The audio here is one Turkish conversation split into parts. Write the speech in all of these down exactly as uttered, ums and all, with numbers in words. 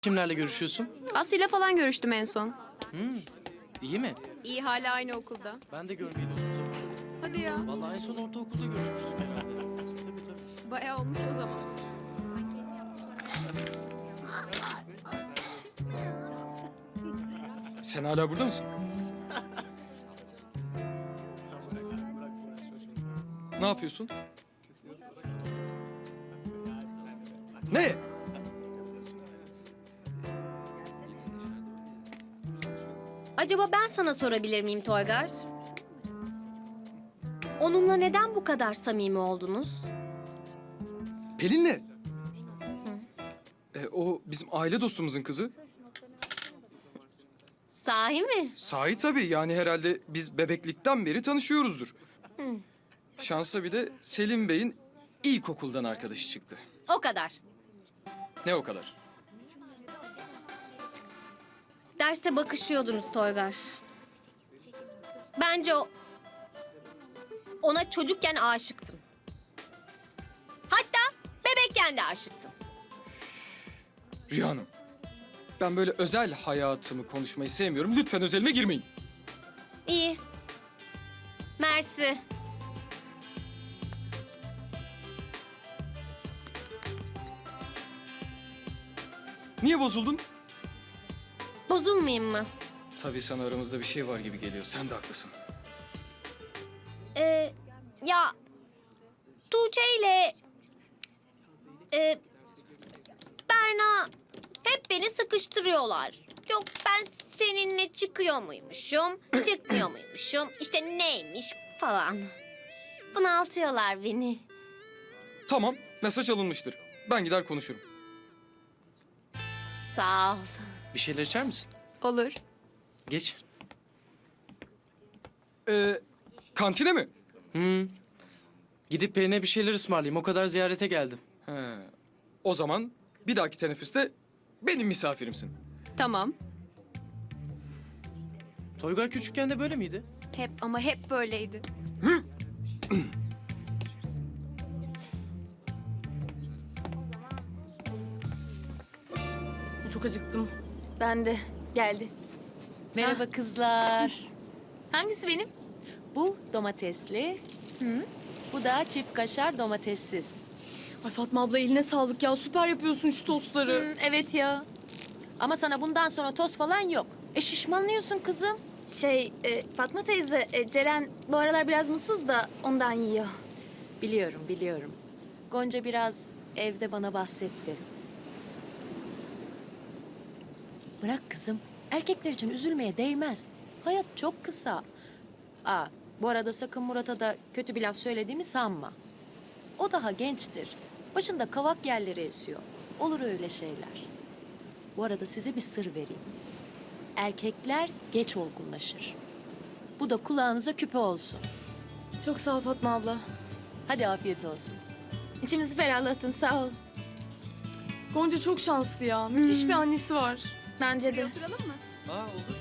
Kimlerle görüşüyorsun? Aslı'yla falan görüştüm en son. Hmm, iyi mi? İyi, hala aynı okulda. Ben de görmeyeli uzun zaman. Hadi ya. Vallahi en son ortaokulda görüşmüştük herhalde. Tabii tabii. Bayağı olmuş o zaman. Sen hala burada mısın? Ne yapıyorsun? Ne? Acaba ben sana sorabilir miyim Toygar? Onunla neden bu kadar samimi oldunuz? Pelin'le. E, o bizim aile dostumuzun kızı. Sahi mi? Sahi tabii, yani herhalde biz bebeklikten beri tanışıyoruzdur. Şansa bir de Selim Bey'in ilkokuldan arkadaşı çıktı. O kadar. Ne o kadar? Derste bakışıyordunuz Toygar. Bence o... Ona çocukken aşıktın. Hatta bebekken de aşıktın. Rüya Hanım, ben böyle özel hayatımı konuşmayı sevmiyorum. Lütfen özelime girmeyin. İyi. Mersi. Niye bozuldun? Bozulmayayım mı? Tabii sana aramızda bir şey var gibi geliyor. Sen de haklısın. Ee, ya... Tuğçe ile... E, Berna hep beni sıkıştırıyorlar. Yok ben seninle çıkıyor muymuşum, çıkmıyor muymuşum, işte neymiş falan. Bunaltıyorlar beni. Tamam, mesaj alınmıştır. Ben gider konuşurum. Sağ ol. Bir şeyler içer misin? Olur. Geç. Ee, kantine mi? Hmm. Gidip Pelin'e bir şeyler ısmarlayayım. O kadar ziyarete geldim. He. O zaman bir dahaki teneffüste benim misafirimsin. Tamam. Toygar küçükken de böyle miydi? Hep ama hep böyleydi. Çok acıktım. Ben de. Geldi. Merhaba kızlar. Hangisi benim? Bu domatesli. Bu da çift kaşar domatessiz. Ay Fatma abla eline sağlık ya. Süper yapıyorsun şu tostları. Hı, evet ya. Ama sana bundan sonra toz falan yok. E şişmanlıyorsun kızım. Şey, e, Fatma teyze, e, Ceren bu aralar biraz mutsuz da ondan yiyor. Biliyorum, biliyorum. Gonca biraz evde bana bahsetti. Bırak kızım. Erkekler için üzülmeye değmez. Hayat çok kısa. Aa, bu arada sakın Murat'a da kötü bir laf söylediğimi sanma. O daha gençtir. Başında kavak yerleri esiyor. Olur öyle şeyler. Bu arada size bir sır vereyim. Erkekler geç olgunlaşır. Bu da kulağınıza küpe olsun. Çok sağ ol Fatma abla. Hadi afiyet olsun. İçimizi ferahlattın, sağ ol. Gonca çok şanslı ya. Müthiş bir annesi var. Bence de. Oturalım mı? Aa olur.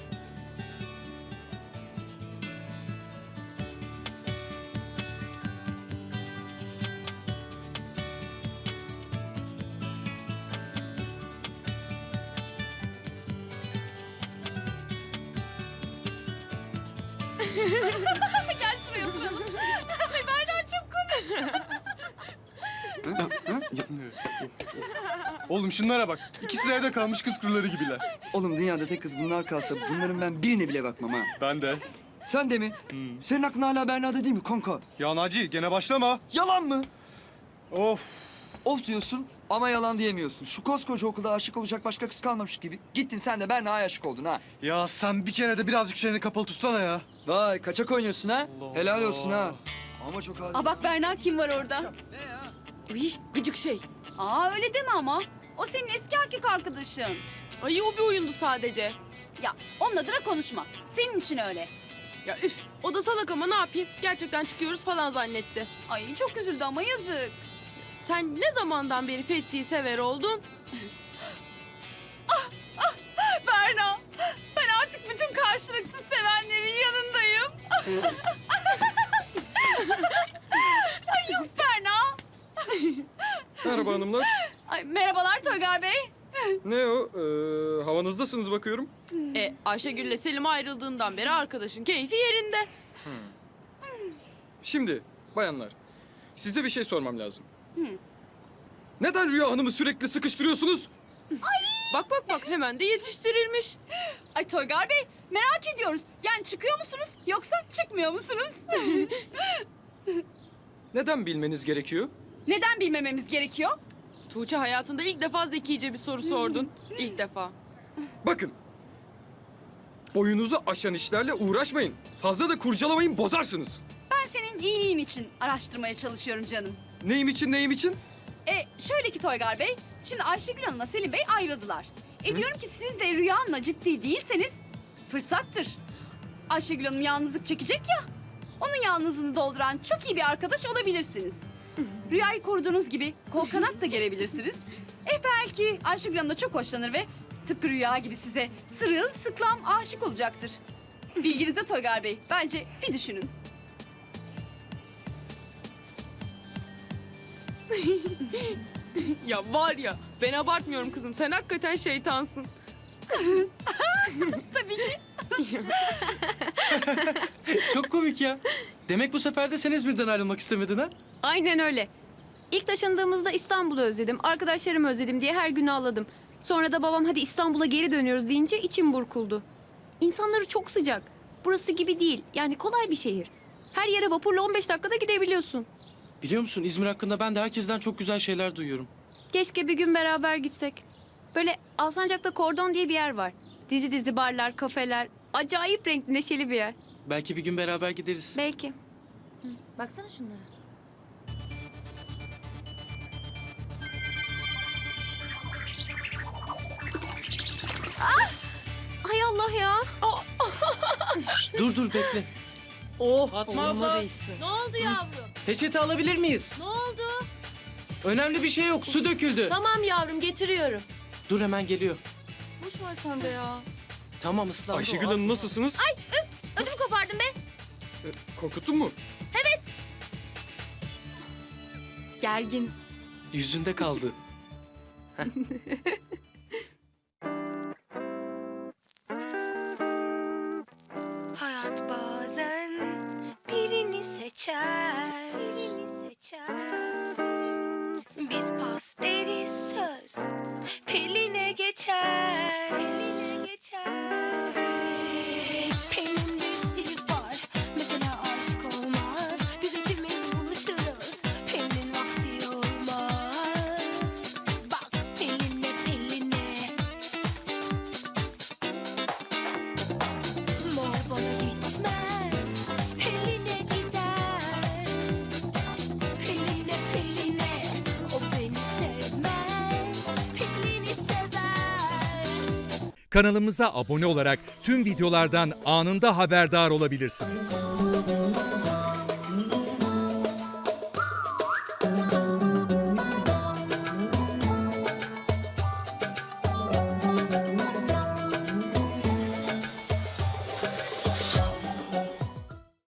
Oğlum şunlara bak. İkisi de evde kalmış kız kuruları gibiler. Oğlum dünyada tek kız bunlar kalsa bunların ben birine bile bakmam ha. Ben de. Sen de mi? Senin aklın hala Berna'da değil mi kanka? Ya Naci gene başlama. Yalan mı? Of. Of diyorsun ama yalan diyemiyorsun. Şu koskoca okulda aşık olacak başka kız kalmamış gibi. Gittin sen de Berna'ya aşık oldun ha. Ya sen bir kere de birazcık şeyini kapalı tutsana ya. Vay kaçak oynuyorsun ha. Allah Helal Allah. olsun ha. Ama çok adil. Aa bak Berna kim var orada? Uy gıcık şey. Aa öyle deme ama. O senin eski erkek arkadaşın. Ay o bir oyundu sadece. Ya onunla da konuşma. Senin için öyle. Ya üf o da salak ama ne yapayım? Gerçekten çıkıyoruz falan zannetti. Ay çok üzüldü ama yazık. Sen ne zamandan beri Fethi'yi sever oldun? Berna, ben artık bütün karşılıksız sevenlerin yanındayım. Ay yok Berna. Merhaba hanımlar. Ay merhabalar Toygar Bey. Ne o? Ee, havanızdasınız bakıyorum. E Ayşegül'le Selim ayrıldığından beri arkadaşın keyfi yerinde. Şimdi bayanlar, size bir şey sormam lazım. Neden Rüya Hanım'ı sürekli sıkıştırıyorsunuz? Bak bak bak hemen de yetiştirilmiş. Ay Toygar Bey merak ediyoruz. Yani çıkıyor musunuz yoksa çıkmıyor musunuz? Neden bilmeniz gerekiyor? Neden bilmememiz gerekiyor? Tuğçe hayatında ilk defa zekice bir soru sordun. İlk defa. Bakın. Boyunuzu aşan işlerle uğraşmayın. Fazla da kurcalamayın, bozarsınız. Ben senin iyiliğin için araştırmaya çalışıyorum canım. Neyim için, neyim için? E şöyle ki Toygar Bey, şimdi Ayşegül Hanım'la Selim Bey ayrıldılar. E diyorum ki siz de Rüya Hanım'la ciddi değilseniz fırsattır. Ayşegül Hanım yalnızlık çekecek ya. Onun yalnızlığını dolduran çok iyi bir arkadaş olabilirsiniz. Rüyayı koruduğunuz gibi kol kanat da gerebilirsiniz. E belki Ayşegül Hanım da çok hoşlanır ve tıpkı Rüya gibi size sırılsıklam aşık olacaktır. Bilginizde Toygar Bey, bence bir düşünün. Ya var ya ben abartmıyorum kızım. Sen hakikaten şeytansın. Tabii ki. Çok komik ya. Demek bu sefer de sen İzmir'den ayrılmak istemedin ha? Aynen öyle. İlk taşındığımızda İstanbul'u özledim, arkadaşlarımı özledim diye her gün ağladım. Sonra da babam hadi İstanbul'a geri dönüyoruz deyince içim burkuldu. İnsanları çok sıcak. Burası gibi değil. Yani kolay bir şehir. Her yere vapurla on beş dakikada gidebiliyorsun. Biliyor musun İzmir hakkında ben de herkesten çok güzel şeyler duyuyorum. Keşke bir gün beraber gitsek. Böyle Alsancak'ta Kordon diye bir yer var. Dizi dizi barlar, kafeler. Acayip renkli, neşeli bir yer. Belki bir gün beraber gideriz. Belki. Baksana şunlara. Hay Allah ya. Dur dur bekle. Oh, Fatma abla. olmalıyısın. Ne oldu yavrum? Peçete alabilir miyiz? Ne oldu? Önemli bir şey yok. Su döküldü. Tamam yavrum getiriyorum. Dur hemen geliyor. Boş ver sen de ya. Tamam ıslandı. Ayşegül o. Hanım nasılsınız? Ödümü kopardın be. E, korkuttun mu? Gergin. Yüzünde kaldı. Hayat bazen birini seçer, birini seçer. Biz pas deriz söz, Pelin'e geçer, Pelin'e geçer. Pelin'in bir stili var, mesela aşık olmaz. Biz ikimiz buluşuruz, Pelin'in vakti olmaz. Bak Pelin'e, Pelin'e. Mor bana gitmez, Pelin'e gider. Pelin'e, Pelin'e, o beni sevmez, Pelin'i sever. Kanalımıza abone olarak tüm videolardan anında haberdar olabilirsiniz.